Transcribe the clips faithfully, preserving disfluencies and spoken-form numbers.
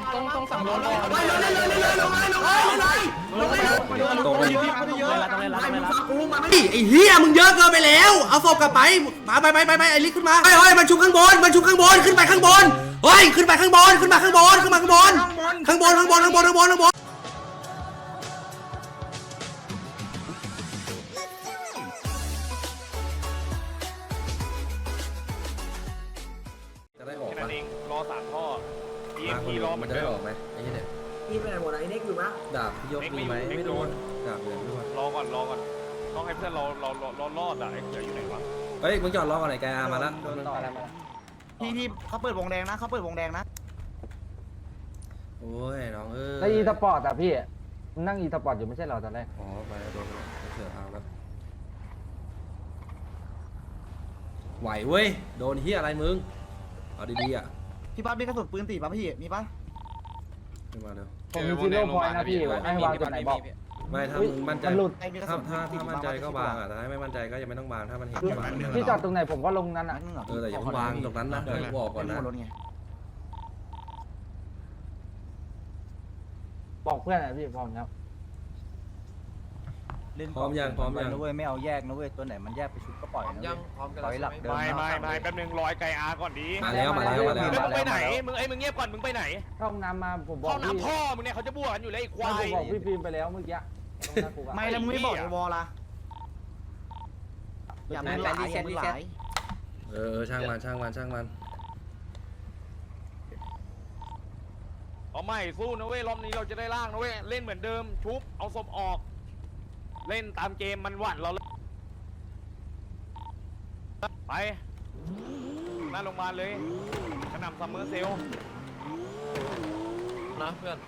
ต้องต้องสั่งรถเลยไปเลยเลยเลยลงเลยลงเลยเลยลงเลยลงเลยไอ้เหี้ยมึงเยอะเกินไปแล้วเอาศพกลับไปมาไปไปไปไปไอ้ลิขึ้นมาเฮ้ยเฮ้ยมันชุบข้างบนมันชุบข้างบนขึ้นไปข้างบนเฮ้ยขึ้นไปข้างบนขึ้นมาข้างบนขึ้นมาข้างบนข้างบนข้างบนข้างบนข้างบนข้างบนจะได้ออกแค่มานั้นเองรอสามท่อ ดีมาเอ็มคนพีเดียรวอมันจะได้ออกไหมไอ้เนี่ยพี่ไปไหนหมดไอ้เน็กอยู่มั้ยดาบพี่ยกมีไหมไม่โดนดาบเหลืองด้วยรอก่อนรอก่อนต้องให้เพื่อนเราเราเรารอดอ่ะไอ้เขืออยู่ไหนวะเฮ้ยมึงจอดรอก่อนไหนแกอามาแล้วพี่พี่เขาเปิดวงแดงนะเขาเปิดวงแดงนะโอ้ยน้องเอ้ยแล้วอีสปอร์ตอ่ะพี่นั่งอีสปอร์ตอยู่ไม่ใช่เหรอตอนแรกอ๋อไปโดนเสือเอาแล้วไหวเว้ยโดนเฮียอะไรมึงเอาดีๆอ่ะพี่ปั๊บมีกระสุนปืนตีป่ะพี่มีป่ะขึ้นมาเร็วผมมีซีโร่พอยต์นะพี่ให้วางจุดไหนบอกไม่ถ้าอุ๊ยมึงมั่นใจมันหลุดถ้าถ้าถ้ามั่นใจก็วางอ่ะแต่ถ้าไม่มั่นใจก็ยังไม่ต้องวางถ้ามันเห็นวางพี่จอดตรงไหนผมก็ลงนั้นอ่ะเออแต่อย่าเพิ่งวางตรงนั้นนะเดี๋ยวกูออกก่อนนะบอกเพื่อนอ่ะพี่พร้อมครับพร้อมยังพร้อมยังนะเว้ยไม่เอาแยกนะเว้ยตัวไหนมันแยกไปชุดก็ปล่อยนะปล่อยหลักเดิมไม่ไม่ไม่แป๊บนึงรอยไกอาก่อนดีมาแล้วมาแล้วมาแล้วมึงไปไหนมึงไอ้มึงเงียบก่อนมึงไปไหนเข้าห้องน้ำมาผมบอกเข้าพี่น้ำท่อมึงเนี่ยเขาจะบวกกันอยู่เลยไอ้ควาผมยบอกพี่ฟิล์มไปแล้วเมื่อกี้ตรงหน้ากูอะไม่แล้วมึงไม่บอกในวอลล่ะอย่ามึงหลายอย่ามึงหลายเออช่างมันช่างมันช่างมันเอาไม่สู้นะเว้ยรอบนี้เราจะได้ล่างนะเว้ยเล่นเหมือนเดิมชุบเอาศพออก เล่นตามเกมมันหวั่นเราเลยไปหน้าโรงพยาบาลเลยกระหน่ำซัมเมอร์เซลนะเพื่อน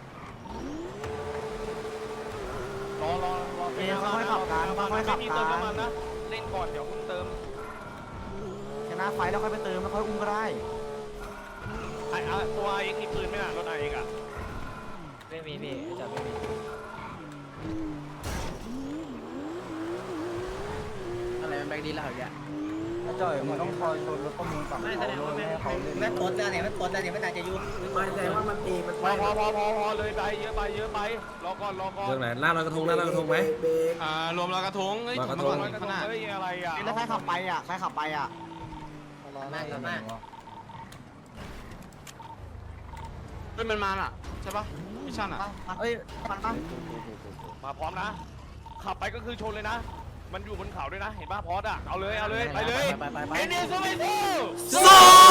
รอรอรอเอ้ยค่อยๆขับกันค่อยๆขับไม่มีกัเติมนน้ำมันนะเล่นก่อนเดี๋ยวคุณเติมชนะไฟแล้วค่อยไปเติมแล้วค่อยอุ้มก็ได้ไอ้อะตัวเองมีปืนไหมล่ะรถไอเองอ่ะไม่มีพี่จะไม่มีอะไรมันแบกดีแล้วเหรอเนี่ยจ่อยมึงต้องคอยชนรถข้อมูลฝั่งเขาด้วยให้เขาเล่นแม่โคตรเนี่ยแม่โคตรเนี่ยไม่น่าจะยุ่งมันแสดงว่ามันตีมันพอพอพอพอพอเลยไปเยอะไปเยอะไปรอก่อนรอก่อนเรื่องไหนล่าลอยกระทงล่าลอยกระทงไหมเบรกอ่ารวมลอยกระทงเฮ้ยลอยกระทงลอยกระทงเฮ้ยอะไรอ่ะแล้วใครขับไปอ่ะใครขับไปอ่ะมากมากเป็นมันมาอ่ะใช่ปะมิชชั่นอ่ะเอ้ยมันป่ะมาพร้อมนะขับไปก็คือชนเลยนะมันอยู่บนเขาด้วยนะเห็นป่ะพอดอ่ะเอาเลยเอาเลยไปเลยไปไปไปเอ็นเอสโซเมโซโซ่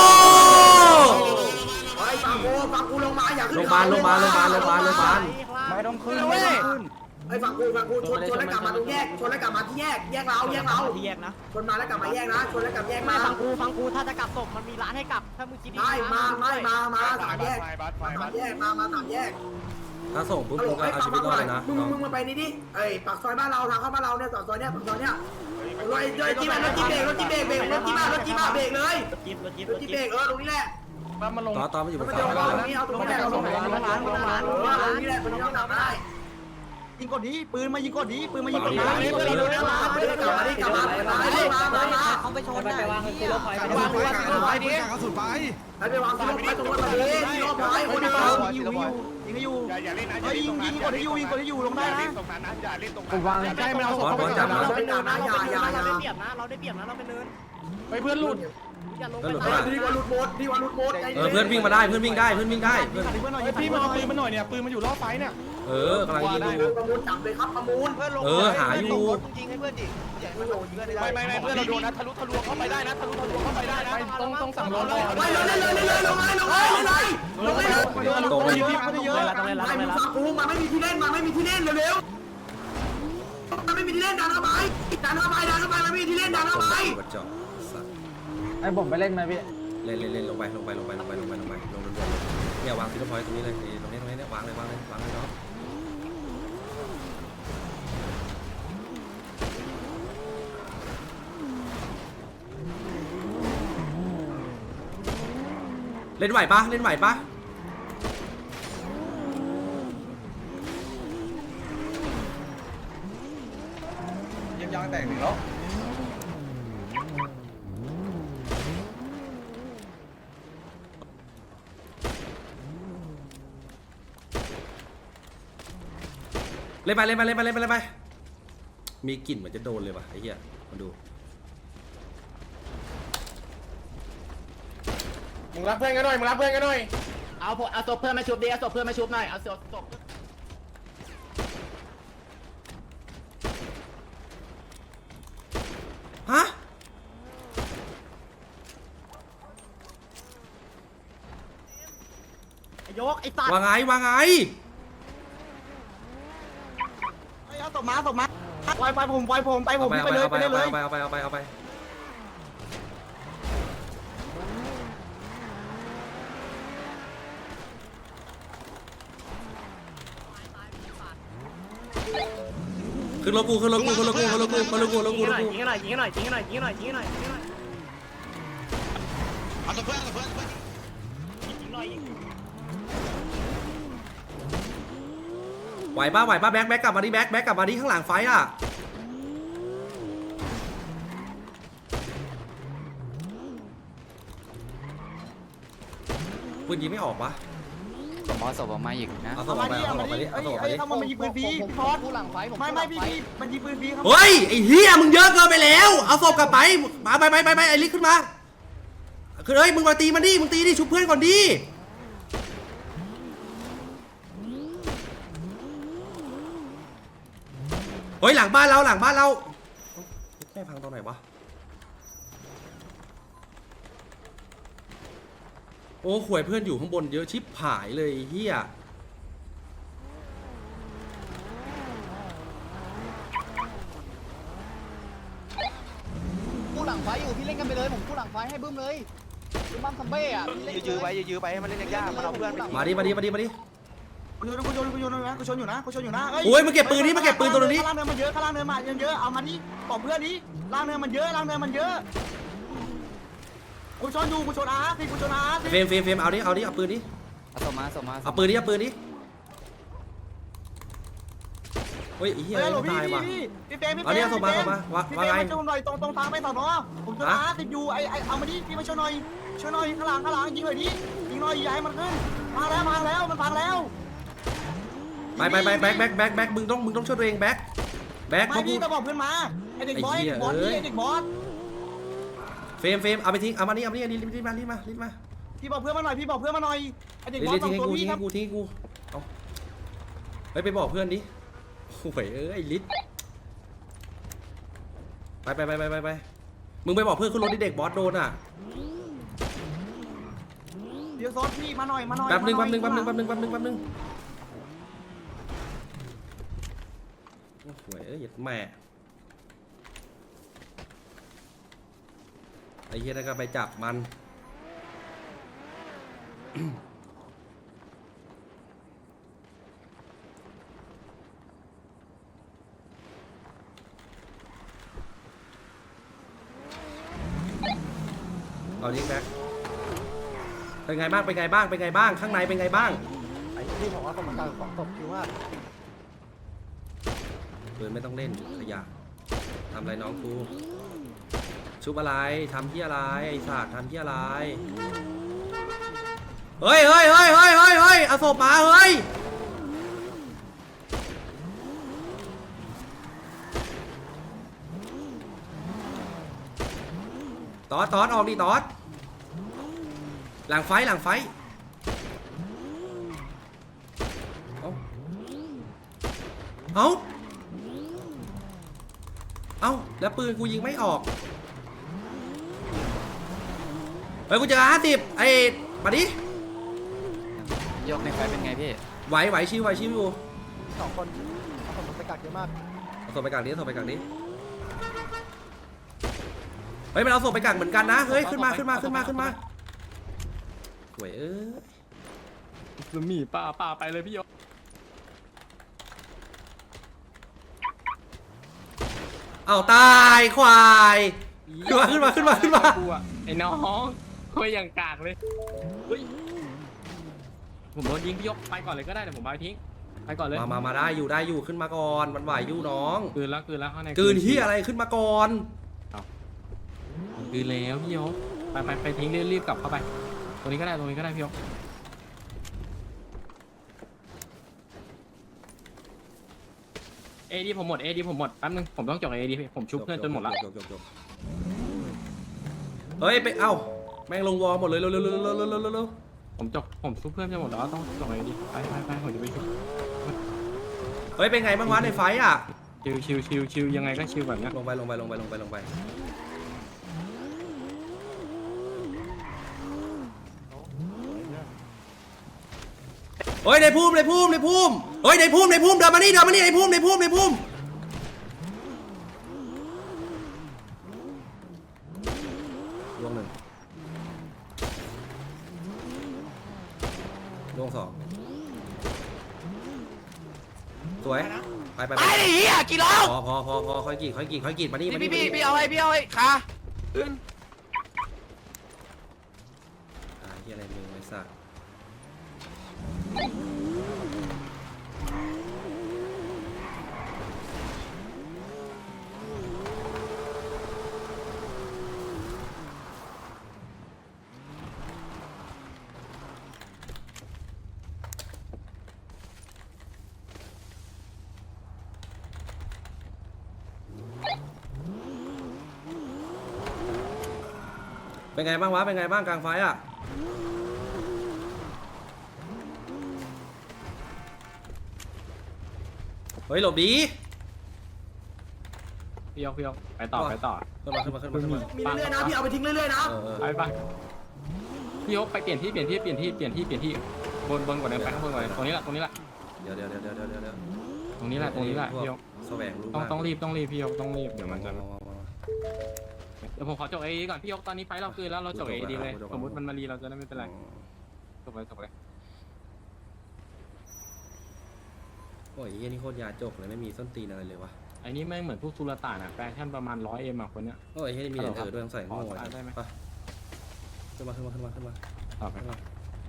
ไอ้ฟังกูฟังกูลงมาอย่าขึ้นโรงพยาบาลโรงพยาบาลโรงพยาบาลโรงพยาบาลโรงพยาบาลไม่ต้องขึ้นไม่ต้องขึ้นไอ้ฟังกูฟังกูชนชนแล้วกลับมาตรงแยกชนแล้วกลับมาที่แยกแยกเราแยกเราที่แยกนะชนมาแล้วกลับมาแยกนะชนแล้วกลับแยกไม่มาฟังกูฟังกูถ้าจะกลับศพมันมีร้านให้กลับถ้ามึงคิดดีไม่มาไม่มามาสามแยกไฟบัสไฟมาบัสาสมแยกมามาสามแยกถ้าส่งปุ๊บมึงก็เอาชีวิตรอดเลยนะมึงมึงมึงไปนี่ดิเอ้ยปากซอยบ้านเราทางเข้าบ้านเราเนี่ยซอยเนี้ยซอยเนี้ยรถรถจีบรถจีบเบรกรถจีบเบรกเบรกรถจีบรถจีบเบรกเลยจิ๊บรถจิ๊บรถจีบเบรกเออตรงนี้แหละมันลงต่อต่อมันอยู่บมันนจะเขาเอาตรงนี้เอาตรงนี้เอาตรงนี้เอาตรงนี้เอาตรงนี้เอาตรงนี้แหละมันต้องกลับได้ยิงกดนี้ปืนมายิงกดนี้ปืนมายิงกดนี้กลับมาดิกลับมาดิกลับมาดิกลับมาดิมามามาเขาไปชนได้วางคือรถไฟวางวางวางไปดิให้ไปวางที่รถไฟตรงนั้นมาดิที่รถไฟโอ้ยเดี๋ยวยิงอยู่ยิงให้อยู่อย่าอย่าเล่นนะเฮ้ยยิงยิงกดให้อยู่ยิงกดให้อยู่ลงได้อย่านะเล่นตรงนั้นนะอย่าเล่นตรงผนั้นมวางใช่มันเอาศพบอลจับนะเราเป็นเนินนะอย่าอย่าอย่าเราได้เปรียบนะเราได้เปรียบนะเราเป็นเนินไปเพื่อนหลุดอย่าลงเพื่อนหลุดไปปะดีกว่าหลุดโบดดีกว่าหลุดโบดเออเพื่อนวิ่งมาได้เพื่อนวิ่งได้เพื่อนวิ่งได้เพื่อนเพื่อนหน่อยพี่มาเอาปืนมาหน่อยเนี่ยปืนมันอยู่รอบไฟเนี่ยเออกำลังยิงอยู่ประมูลจับเลยครับประมูลเออหาอยู่จริงให้เพื่อนดิไม่ไม่ไม่เพื่อนเราโดนนะทะลุทะลวงเข้าไปได้นะทะลุทะลวงเข้าไปได้นะต้องต้องสั่งรถเลยไปเลยเลยเลยเลยลงเลยลงเลยลงเลยลงเลยตรงไปเยอะเยอะต้องเล่นแล้วไอ้ต้องมึเล่งนแล้วฟังกูมันไม่มีที่เล่นมันไม่มีที่เล่นเร็วๆมันไม่มีที่เล่นดันเข้าไปดันเข้าไปดันเข้าไปมันไม่มีที่เล่นดันเข้าไปกระจอกสัตว์ให้ผมไปเล่นไหมพี่เล่นเล่นเล่นลงไปลงไปลงไปลงไปลงไปลงไปลงด่วนๆเลยเนี่ยวางซิลพอยต์ตรงนี้เลยตรงนี้ตรงนี้เนี่ยวางเลยวางเลยวางเลยเนาะเล่นไหวปะเล่นไหวปะยังยางแตกหนึ่งแล้วเล่นไปเล่นไปเล่นไปเล่นไปเล่นไปมีกลิ่นเหมือนจะโดนเลยว่ะไอ้เหี้ยมาดูมึงรับเพื่อนกันหน่อยมึงรับเพื่อนกันหน่อยเอาเอาศพเพื่อนมาชุบดิเอาศพเพื่อนมาชุบหน่อยเอาศพศพฮะยกไอ้สัตว์ว่าไงว่าไงเอาศพมาศพมาปล่อยไปผมปล่อยผมไปผมเอาไปเลยเอาไปเลยเลยเอาไปเอาไปเอาไปเอาไปขึ้นรถกูขึ้นรถกูขึ้นรถกูขึ้นรถกูขึ้นรถกูขึ้นรถกูขึ้นรถกูยิงให้หน่อยยิงให้หน่อยยิงให้หน่อยยิงให้หน่อยยิงให้หน่อยยิงให้หน่อยเอาตัวเพื่อนเอาตัวเพื่อนยิงหน่อยยิงไหวป่ะไหวป่ะแบ็คแบ็คกลับมาดิแบ็คแบ็คกลับมาดิข้างหลังไฟอ่ะปืนยิงไม่ออกวะผมเอาศพออกมาอีกนะเอาตัวออกไปเอาตัวออกไปดิเอาตัวออกไปดิถ้ามันยิงปืนฟรีพี่พอสผู้หลังไฟไม่ไม่พี่พี่มันยิงปืนฟรีครับเฮ้ยไอ้เฮียมึงเยอะเกินไปแล้วเอาศพกลับไปมาไปไปไปไปไอ้ลิกขึ้นมาคือเฮ้ยมึงมาตีมันดิมึงตีดิชุบเพื่อนก่อนดิเฮ้ยหลังบ้านเราหลังบ้านเราแม่พังตอนไหนวะโอ้ข่วยเพื่อนอยู่ข้างบนเยอะชิบหายเลยไอ้เฮียผู้หลังไฟอยู่พี่เล่นกันไปเลยผมผู้หลังไฟให้บึ้มเลยบึ้มบัมซัมเบ้อะยื้อไว้ยื้อไปให้มันเล่นยากๆมันเอาเพื่อนมาดิมาดิมาดิมาดิกูโยนกูโยนกูโยนนะกูชนอยู่นะกูชนอยู่นะโอ้ยมาเก็บปืนนี้มาเก็บปืนตัวนี้ข้างล่างเนินมันเยอะข้างล่างเนินมาเยอะเอามานี่บอกเพื่อนนี้ล่างเนินมันเยอะล่างเนินมันเยอะกูชนอยู่กูชนอาร์สิกูชนอาร์สิเฟรมเฟรมเฟรมเอาดิเอาดิเอาปืนดิเอาศพมาศพมาเอาปืนดิเอาปืนดิเฮ้ยไอ้เหี้ยเฮ้ยไม่พี่ตายพี่ว่ะพี่พี่เฟรมพี่เฟรมเอาเนี่ยส่งมาส่งมาว่าพี่ว่าเฟรไงมมาชนหน่อยตรงตรงทางไปสอนอผมชนอาร์สิอยู่ไอไอเอามาดิพี่มาชนหน่อยชนหน่อยข้างหลังข้างหลังยิงหน่อยดิยิงหน่อยอย่าให้มันขึ้นมาแล้วมาแล้วมันพังแล้วไปไปไปแบ็คแบ็คแบ็คแบ็คมึงต้องมึงต้องช่วยตัวเองแบ็คแบ็คไม่เพราะกูพี่ก็บอกเพื่อนมาไอเด็กบอสไอเด็กบอสพี่ไอเด็กบอสเฟรมเฟรมเอาไปทิ้งเอามานี่เอามานี่อันนี้รีบมารีบมารีบมาพี่บอกเพื่อนมาหน่อยพี่บอกเพื่อนมาหน่อยไอเด็กบอสรีบสอทิ้งงให้ตัวกูพี่ทิ้งครัให้บกูทิ้งให้กูเอาเฮ้ยไปบอกเพื่อนดิโอ้ยเอ้ยลิศไปไปไปไปไปไปมึงไปบอกเพื่อนขึ้นรถดิเด็กบอสโดนอ่ะเดี๋ยวซอสพี่มาหน่อยมาหน่อยแป๊บนึงแป๊บนึงแป๊บนึงแป๊บนึงแป๊บนึงแป๊บนึงโอ้โหเอ้ยแม่ไอ้เหี้ยนั่นก็ไปจับมัน เอาดิแบ็คเป็นไงบ้างเป็นไงบ้างเป็นไงบ้างข้างในเป็นไงบ้างไอ้ที่บอกว่าต้องมาการของตบคือว่าปืนไม่ต้องเล่นขยะทำอะไรน้องกูชุบอะไรทำที่อะไรไอ้สัตว์ทำที่อะไรเฮ้ยเฮ้ยเฮ้ยเฮ้ยเฮ้ยเฮ้ยเอาศพมาเฮ้ยตอดตอดออกดิตอดหลังไฟหลังไฟเอาเอาเอาแล้วปืนกูยิงไม่ออกเฮ้ยกูเจอห้าสิบไอ้มาดิยกในไฟเป็นไงพี่ไหวไหวชิวไหวชิวอยู่สองคนเอาคนไปกักเยอะมากเอาศพไปกักนี้เอาศพไปกักนี้เฮ้ยมันเอาศพไปกักเหมือนกันนะเฮ้ยขึ้นมาขึ้นมาขึ้นมาขึ้นมาหวยเอ้ยลุงหมีป้าป้าไปเลยพี่ยศเอาตายควายขึ้นมาขึ้นมาขึ้นมาขึ้นมาไอ้น้องคุยอย่างกากเลยเฮ้ยผมโดนยิงพี่ยศไปก่อนเลยก็ได้เดี๋ยวผมไปทิ้งไปก่อนเลยมามามาได้อยู่ได้อยู่ขึ้นมาก่อนมันไหวอยู่น้องคืนแล้วคืนแล้วข้างในกืนที่อะไรขึ้นมาก่อนคืนแล้วพี่ยศไปไปไปทิ้งรีบๆกลับเข้าไปตรงนี้ก็ได้ตรงนี้ก็ได้พี่ยศเอดีผมหมดเอดีผมหมดแป๊บนึงผมต้องจบเอดีผมชุบเพื่อนจนหมดละจบจบจบเฮ้ยไปเอ้าแม่งลงวอลหมดเลยเร็วเร็วเร็วเร็วเร็วเร็วเร็วผมจบผมชุบเพื่อนจนหมดแล้วต้องจบเอดีไปไปไปผมจะไปชุบเฮ้ยเป็นไงบ้างวะในไฟอ่ะชิวชิวชิวชิวยังไงก็ชิวแบบเนี้ยลงไปลงไปลงไปลงไปลงไปเฮ้ยในพุ่มในพุ่มในพุ่มเฮ้ยในพุ่มในพุ่มเดินมานี่เดินมานี่ในพุ่มในพุ่มในพุ่มลงหนึ่งลงสองสวยไปไปไปไอ้เหี้ยกี่รอบพอพอพอพอค่อยกี่ค่อยกี่ค่อยกี่มานี่มานี่พี่พี่พี่เอาไอ้พี่เอาไอ้ขาขึ้นอ่าเฮียอะไรมึงไอ้สัสเป็นไงบ้างวะเป็นไงบ้างกลางไฟอ่ะเฮ้ยหลบดีพี่ยกพี่ยกไปต่อไปต่อขึ้นมาขึ้นมาขึ้นมาขึ้นมามีเรื่อยๆนะพี่เอาไปทิ้งเรื่อยๆนะเออเออไปไปพี่ยกไปเปลี่ยนที่เปลี่ยนที่เปลี่ยนที่เปลี่ยนที่เปลี่ยนที่บนบนกว่าเดิมไปข้างบนกว่าเดิมตรงนี้แหละตรงนี้แหละเดี๋ยวเดี๋ยวเดี๋ยวเดี๋ยวเดี๋ยวเดี๋ยวตรงนี้แหละตรงนี้แหละพี่ยกแสวงรู้ต้องมากต้องรีบต้องรีบพี่ยกต้องรีบเดี๋ยวมันจะมามามามาเดี๋ยวผมขอจบเอดีก่อนพี่ยกตอนนี้ไฟเราคืนแล้วเราจบเอดีเลยสมมติมันมารีเราจะได้ไม่เป็นไรจบเลยจบเลยโอ้ยเฮียนี่โคตรยาจกเลยไม่มีส้นตีนอะไรเลยวะไอ้นี่แม่งเหมือนพวกสุลต่านอะแฟชั่นประมาณร้อยเอ็มอะคนเนี้ยโอ้ยเฮียนี่มีแต่เธอด้วยต้องใส่โง่ขอไว้ได้ไหมไปขึ้นมาขึ้นมาขึ้นมาขึ้นมาต่อไปขึ้นมา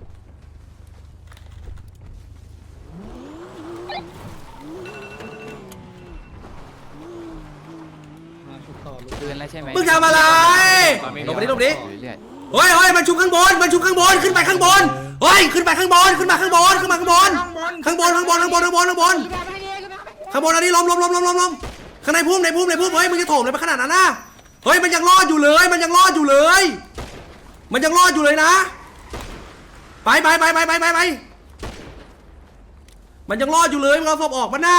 คืนแล้วใช่ไหมมึงทำอะไรลงไปดิลงไปดิเฮ้ยเฮ้ยมันชุบข้างบนมันชุบข้างบนขึ้นไปข้างบนเฮ้ยขึ้นไปข้างบนขึ้นมาข้างบนขึ้นมาข้างบนข้างบนข้างบนข้างบนข้างบนข้างบนข้างบนอันนี้ล้มล้มล้มล้มล้มล้มข้างในพุ่มในพุ่มในพุ่มเฮ้ยมึงจะโถมเลยไปขนาดนั้นนะเฮ้ยมันยังรอดอยู่เลยมันยังรอดอยู่เลย มันยังรอดอยู่เลยนะไปไปไปไปไปไปไปมันยังรอดอยู่เลยมึงเอาศพออกมาหน้า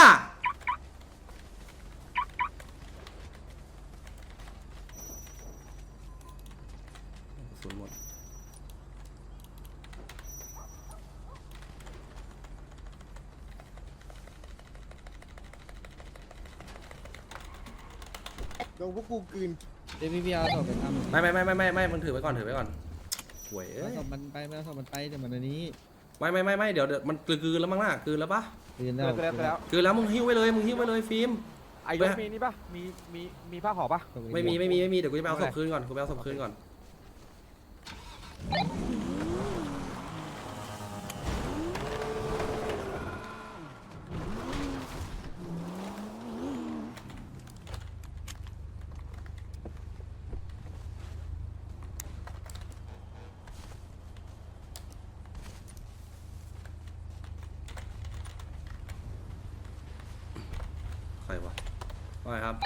ศูนย์หมดไม่ไม่ไม่ไม่ไม่ไม่มึงถือไว้ก่อนถือไว้ก่อนหวยเอ้ยมันไปไม่เอามันไปแต่มันอันนี้ไม่ไม่ไม่ไม่เดี๋ยวเดี๋ยวมันกลืนแล้วมั้งน่ะกลืนแล้วปะคืนแล้วกลืนแล้วมึงหิ้วไว้เลยมึงหิ้วไว้เลยฟิล์มไอ้ยกมีนี่ปะมีมีมีผ้าห่อปะไม่มีไม่มีไม่มีเดี๋ยวกูจะไปเอาศพคืนก่อนกูไปเอาศพคืนก่อนใครวะว่าไงครับ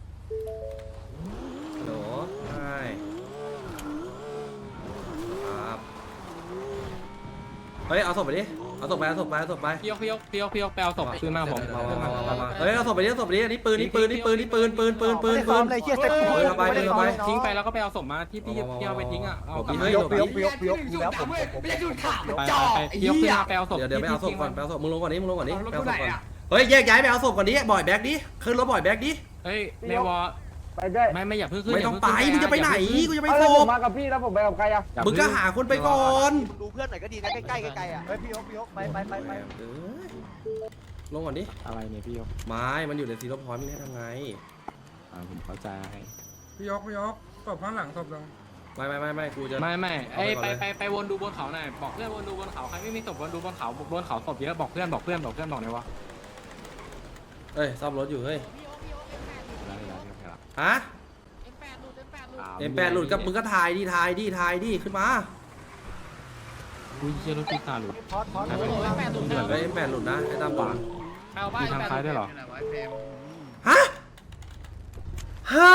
ฮัลโหลใช่ครับเฮ้ยเอาศพไปดิเอาศพไปเอาศพไปเอาศพไปพี่ยกพี่ยกพี่ยกพี่ยกไปเอาศพคืนมาผมเฮ้ยเอาศพไปดิเอาศพไปดิอันนี้ปืนนี่ปืนนี่ปืนนี่ปืนปืนปืนปืนปืนเลยเฮียเซ็ตเฮ้ยเอาไปเฮ้ยเอาไปทิ้งไปแล้วก็ไปเอาศพมาที่พี่พี่เอาไปทิ้งอะเอากลับเฮ้มายหลบดิยกยกยกแล้วผมไปไปพี่ยกขึ้นมาไปเอาศพเดี๋ยวเดี๋ยวไปเอาศพก่อนที่ไปเอาศพมึงลงก่อนดิมึงลงก่อนดิไปเอาศพก่อนเฮ้ยแยกย้ายไปเอาศพก่อนดิบ่อยแบ็กดิขึ้นรถบ่อยแบ็กดิเฮ้ยในวอไปด้วยไม่ไม่อย่าเพิ่งขึ้นไม่ต้องไปมึงจะไปไหนกูจะไปเอาศแล้วผมพมากับพี่แล้วผมไปกับใครอ่ะมึงก็หาคนไปก่อนดูเพื่อนหน่อยก็ดีนะใกล้ๆใกล้ๆอ่ะเฮ้ยพี่ยกพี่ยกไปไปไปไปเออลงก่อนดิอะไรเนี่ยพี่ยกไม้มันอยู่ในซีโร่พอยต์มึงให้ทำไงอ่าผมเข้าใจพี่ยกพี่ยกศพข้างหลังศพลงไม่ไม่ไม่ไม่กูจะไม่ไม่ไอ้เอาไปไปก่อนเลยไปไปวนดูบนเขาหน่อยบอกเพื่อนวนดูบนเขาใครไม่มีศพวนดูบนเขาบนเขาศพเยอะบอกเพื่อนบอกเพื่อนบอกเพื่อนบอกหน่อยวะเอ้ยซ่อมรถอยู่เฮ้ยได้ได้ได้ได้ฮะเอ็มแปดหลุดกับมึงก็ถ่ายดิถ่ายดิถ่ายดิขึ้นมาอุ้ยเชี่ยรถพี่ตาหลุดพอดพอดหายไปไหนเฮ้ยเอ็มแปดหลุดนะไอ้ตามหลุดเอาบ้านทำคล้ายด้วยเหรอฮะฮะ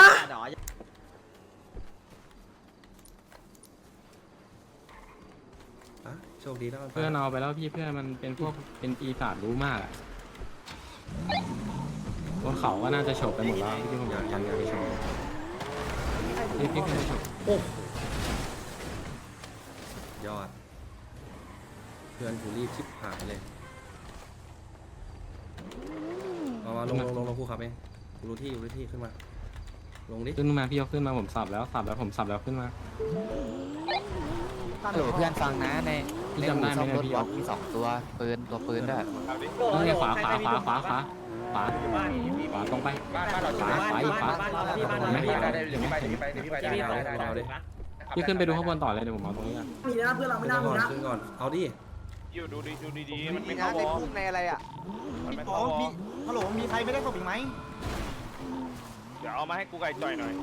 อ่ะโชคดีแล้วกันเพื่อนเอาไปแล้วพี่เพื่อนมันเป็นพวกเป็นปีศาจรู้มากอะบนเขาก็น่าจะโฉบไปหมดแล้วที่ผมอยากยังอยากไปโฉบพี่พี่ขึ้นไปโฉบโอ้ยอด เพื่อนกูรีบชิบหายเลยเอามาลงลงลงลงกูขับเองกูรู้ที่กูรู้ที่ขึ้นมา ลงดิขึ้นมาพี่ยกขึ้นมาผมสับแล้วสับแล้วผมสับแล้วขึ้นมาฮัลโหลเพื่อนฟังนะในพี่จำได้ไหมเนี่ยพี่ยกมีสองตัวปืนตัวปืนด้วยนี่ไงขวาขวาขวาขวาขวาขวาขวาตรงไปขวาขวาอีกขวาเห็นไหมพี่ขึ้นไปดูข้างบนต่อเลยเดี๋ยวผมเอาตรงนี้อ่ะมีนะเพื่อนเราไม่น่ามีก่อนนะขึ้นก่อน เอาดิอยู่ดูดีดูดีๆมันมีไม่นะเข้าวในอคุกในอะไรอ่ะมันไม่อ๋อเข้าวอมีฮัลโหลมีใครไม่ได้ศพอีกไหมเดี๋ยวเอามาให้กูไก่จ่อยหน่อย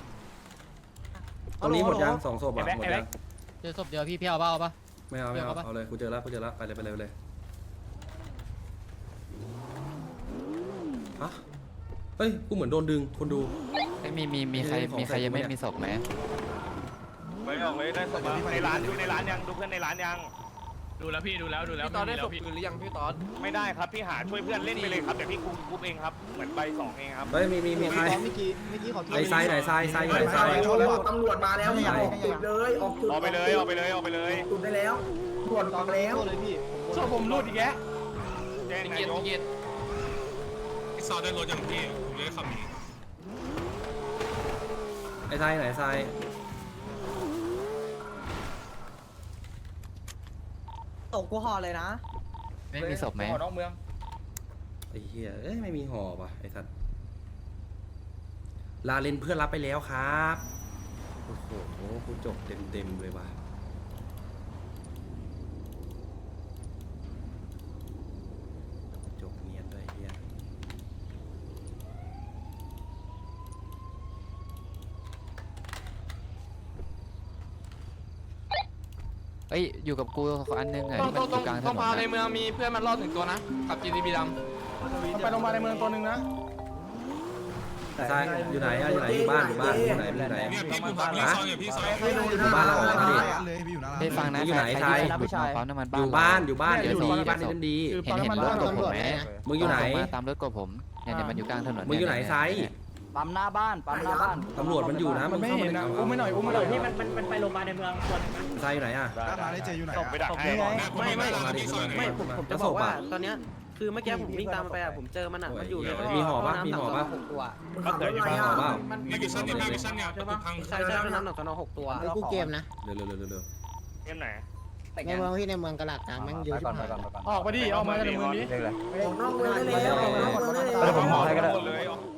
ตรงนี้หมดยังสองศพอ่ะหมดยังเจอศพเดียวพี่พี่เอาเปล่าเอาปะไม่เอาไม่เอาเอาเลยกูเจอแล้วกูเจอแล้วไปเลยไปเลยไปเลยฮะเฮ้ยกูเหมือนโดนดึงคนดูมีมีมีใครมีใครยังไม่มีศพไหมไม่ออกเลยได้สบายในร้านดูในร้านยังดูเพื่อนในร้านยังดูแล้วพี่ดูแล้วดูแล้วพี่ตอนได้ศพคืนหรือยังพี่ตอนไม่ได้ครับพี่หาช่วยเพื่อนเล่นไปเลยครับเดี๋ยวพี่คุมคุมเองครับเหมือนใบสองเองครับเฮ้ยมีมีมีใครเมื่อกี้เมื่อกี้ขอไอ้ไซไหนไซไซไหนไซตำรวจมาแล้วออกจุดเลยออกจุดออกไปเลยออกไปเลยออกไปเลยจุดได้แล้วตำรวจออกแล้วเลยพี่ชอบผมรูดอีกแกแจ้งนายกพี่ซอได้รถยังพี่ผมเลยขับหนีไอ้ไซไหนไซตกกูห่อเลยนะไม่มีศพไหมนอกเมืองไอ้เหี้ยเอ้ยไม่มีหอป่ะไอ้สัตว์ลาเลนเพื่อนรับไปแล้วครับโอ้โหกูจบเต็มเต็มเลยว่ะจบเนียนด้วยไอ้เหี้ยเอ้ยอยู่กับกูอันนึงอ่ะต้องที่มันต้อองยู่กลางถต้องนนพาในอะเมืองมีเพื่อนมันรอดถึงตัวนะขับ จี ที บี ดำไปโรงพยาบาลในเมืองตัวนึงนะไซอยู่ไหนอะอยู่ไหนอยู่บ้านอยู่บ้านอยู่ไหนอยู่ไหนเนี่ยพี่ผมพักพี่ซอยเนี่ยพี่ซอยอยู่บ้านเราเหรอมาดิเฮ้ยฟังนะอยู่ไหนใครใครที่หลุดมาปั๊มน้ำมันอบ้านยู่บ้านอยู่บ้านเดี๋ยวอยู่ดีบ้านนี่เดี๋ยวเป็นดีเห็นเห็นรถกบผมไหมมึงอยู่ไหนมาตามรถกบผมเนี่ยเนี่ยมันอยู่กลางถนนมึงอยู่ไหนไซปั๊มหน้าบ้านปั๊มหน้าบ้านตำรวจมันอยู่นะมันไม่เห็นนะอุ้มไม่หน่อยอุ้มไม่หน่อยที่มันมันมันไปโรงพยาบาลในเมืองส่วนไซอยู่ไหนอะมาได้เจอยู่ไหนส่งไปดักให้ไม่ไม่มาดิพี่ซอยไม่เนี่ยผมจะบอกว่าตอนเนี้ยคือเมื่อกี้ผมวิ่งตามมันไปอ่ะผมเจอมันอ่ะมันอยู่ในมีหอปะมีหอปะหกตัวขับรถอะไรหออ่ะเปล่าในกิชั่นเนี่ยในกิชั่นเนี่ยประตูพังใช่ใช่เป็นน้ำหนักสนอหกตัวกูเกมนะเร็วเร็วเร็วเร็วเกมไหนในเมืองที่ในเมืองกระหลักกลางแม่งเยอะชิบหายออกมาดิออกมาจากเมืองนี้ออกนอกเมืองได้แล้วออกนอกเมืองได้แล้วผมหอให้ก็ได้เลย